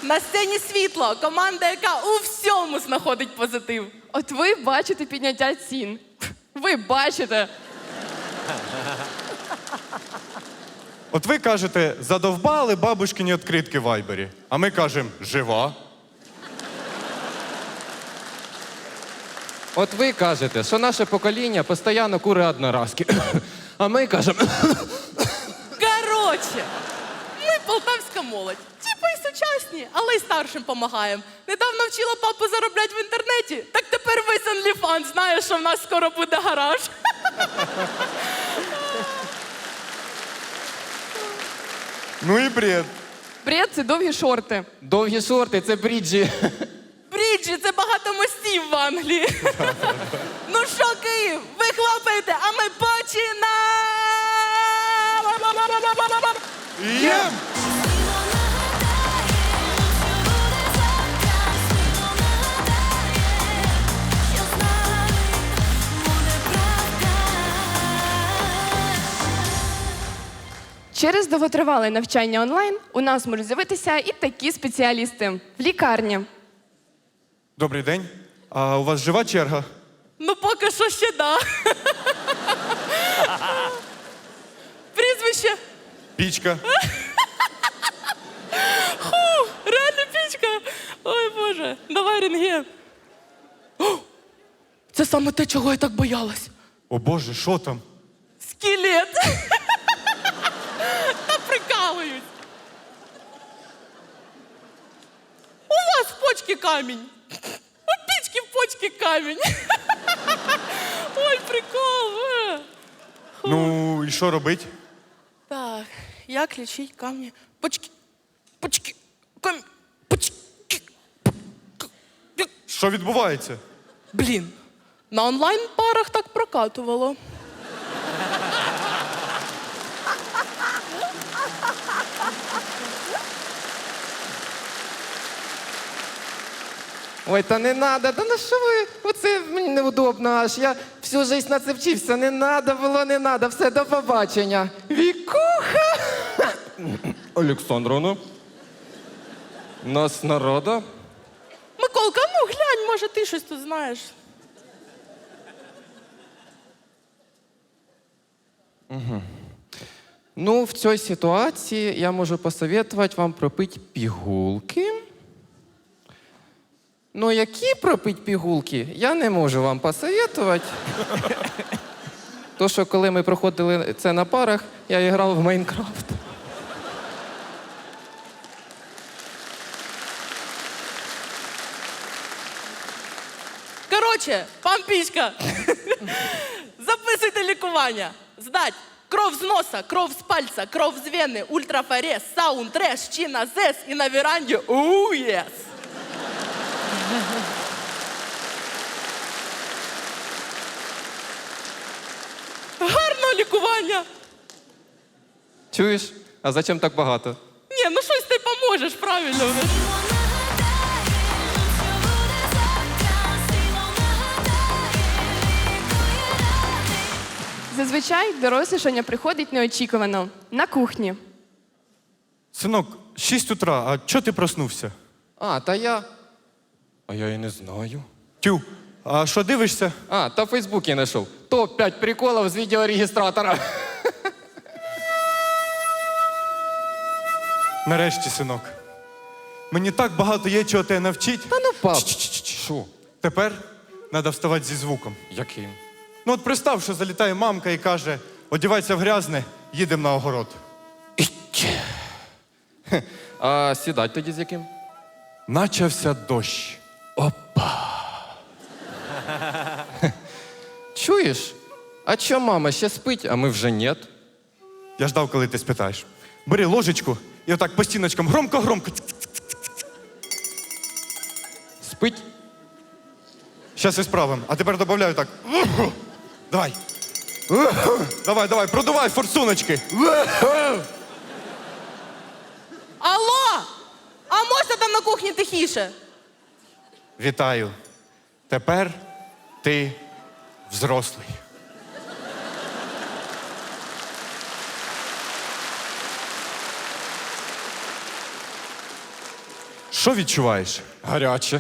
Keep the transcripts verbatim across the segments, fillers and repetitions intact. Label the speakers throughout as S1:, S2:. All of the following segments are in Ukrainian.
S1: На сцені світло. Команда, яка у всьому знаходить позитив.
S2: От ви бачите підняття цін. Ви бачите.
S3: От ви кажете, задовбали бабушкині відкритки в Вайбері. А ми кажемо, жива.
S4: От ви кажете, що наше покоління постійно кури одноразки. А ми кажемо,
S1: Короче, ми полтавська молодь. Типа і сучасні, але й старшим помагаємо. Недавно вчила папу заробляти в інтернеті, так тепер весь OnlyFans знає, що в нас скоро буде гараж.
S3: Ну і бред.
S2: Бред – це довгі шорти.
S4: довгі шорти, це бріджі.
S1: Бріджі, це багато мостів в Англії. Ну що, Київ, ви хлопаєте, а ми починаємо!
S3: Єм!
S2: Через довготривале навчання онлайн у нас можуть з'явитися і такі спеціалісти в лікарні.
S3: Добрий день. А у вас жива черга?
S1: Ну, поки що ще да. Прізвище.
S3: Пічка.
S1: Фу, реально пічка. Ой, Боже, давай рентген. О, це саме те, чого я так боялась.
S3: О Боже, що там?
S1: Скелет. Та прикалують. У вас в почці камінь. У пічки в почці камінь. Ой, прикол. е.
S3: Ну, і що робить?
S1: Так, як лічить камні? Почки, почки, камінь, почки.
S3: Що відбувається?
S1: Блін, на онлайн-парах так прокатувало.
S4: Ой, та не надо, та на що ви? Оце мені неудобно аж. Я всю життя на це вчився. Не надо було, не надо. Все, до побачення. Вікуха! Олександровна. Нас народа.
S1: Миколка, ну глянь, може ти щось тут знаєш.
S4: Ну, в цій ситуації я можу посоветувати вам пропити пігулки. Ну, які пропити пігулки, я не можу вам посоветувати. То, що коли ми проходили це на парах, я грав в Майнкрафт.
S1: Короче, пан Пічка, записуйте лікування. Здать. Кров з носа, кров з пальця, кров з вени, ультрафорез, саунд, треш, чина, зес і на веранді оу єс. Гарного лікування.
S4: Чуєш? А зачем так багато?
S1: Ні, ну щось ти поможеш, правильно.
S2: Зазвичай дорослішання приходить неочікувано на кухні.
S3: Синок, шість утра, а чого ти проснувся?
S4: А, та я. А я і не знаю.
S3: Тю, а що дивишся?
S4: А, та в Фейсбуці знайшов. топ п'ять приколів з відеорегістратора.
S3: Нарешті, синок. Мені так багато є чого тебе навчить.
S4: Та ну, пап.
S3: Чш-чш-чш.
S4: Що?
S3: Тепер треба вставати зі звуком.
S4: Яким?
S3: Ну от представ, що залітає мамка і каже, одівайся в грязне, їдемо на огород.
S4: А сідать тоді з яким?
S3: Начався дощ.
S4: Чуєш? А чо мама ще спить, а ми вже нет?
S3: Я ждав, коли ти спитаєш. Бери ложечку і отак по стіночкам громко-громко.
S4: Спить?
S3: Щас і справимо. А тепер додаю так. Давай. Давай, давай, продувай форсуночки.
S1: Алло! А можна там на кухні тихіше?
S3: Вітаю. Тепер ти взрослий. Що відчуваєш?
S4: Гаряче.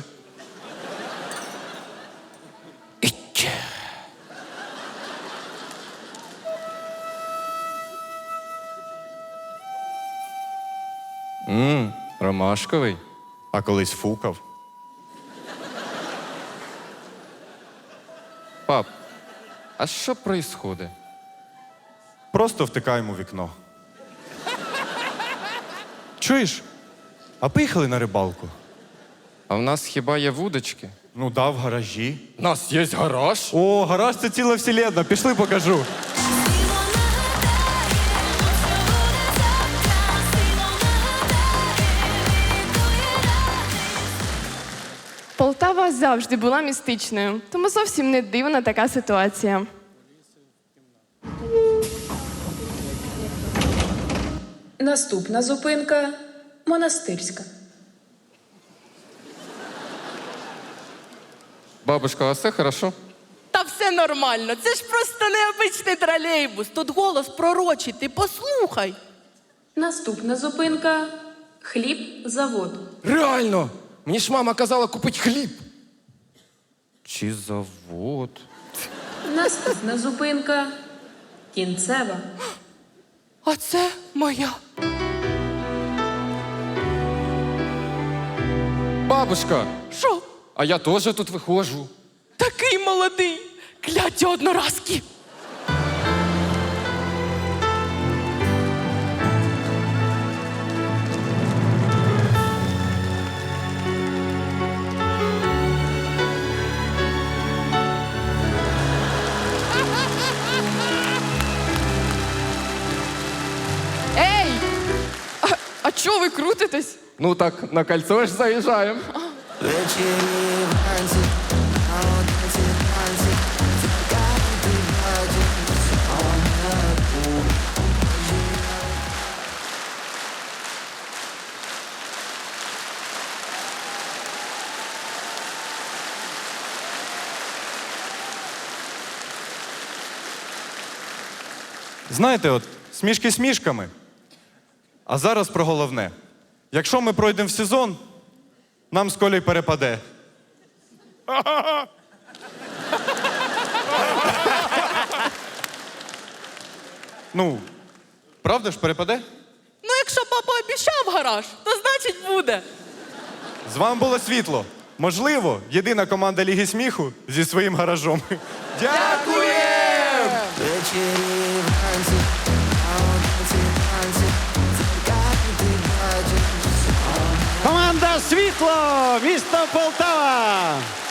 S4: Ммм, ромашковий.
S3: А колись фукав.
S4: Пап, а що происходить?
S3: Просто втикаємо у вікно. Чуєш? А поїхали на рибалку?
S4: А в нас хіба є вудочки?
S3: Ну да, в гаражі.
S4: У нас є гараж.
S3: О, гараж це ціла вселенна. Пішли покажу.
S2: Полтава завжди була містичною, тому зовсім не дивна така ситуація.
S5: Наступна зупинка монастирська.
S4: Бабушка, а все хорошо?
S1: Та все нормально. Це ж просто необичний тролейбус. Тут голос пророчий, ти послухай.
S5: Наступна зупинка хліб завод.
S4: Реально! Мені ж мама казала купити хліб. Чи завод?
S5: Наступна зупинка кінцева.
S1: А це моя.
S4: Бабушка,
S1: Що?
S4: а я теж тут виходжу.
S1: Такий молодий. Кляті одноразки.
S2: Ей! А, а чого ви крутитесь?
S4: Ну так, на кольцо ж заїжджаємо.
S3: Знаєте, от смішки смішками. А зараз про головне. Якщо ми пройдемо в сезон, нам з Колею перепаде. Ну, правда ж перепаде?
S1: Ну, якщо папа обіцяв гараж, то значить буде.
S3: З вами було світло. Можливо, єдина команда Ліги сміху зі своїм гаражом. Дякую!
S6: Команда Світло, місто Полтава.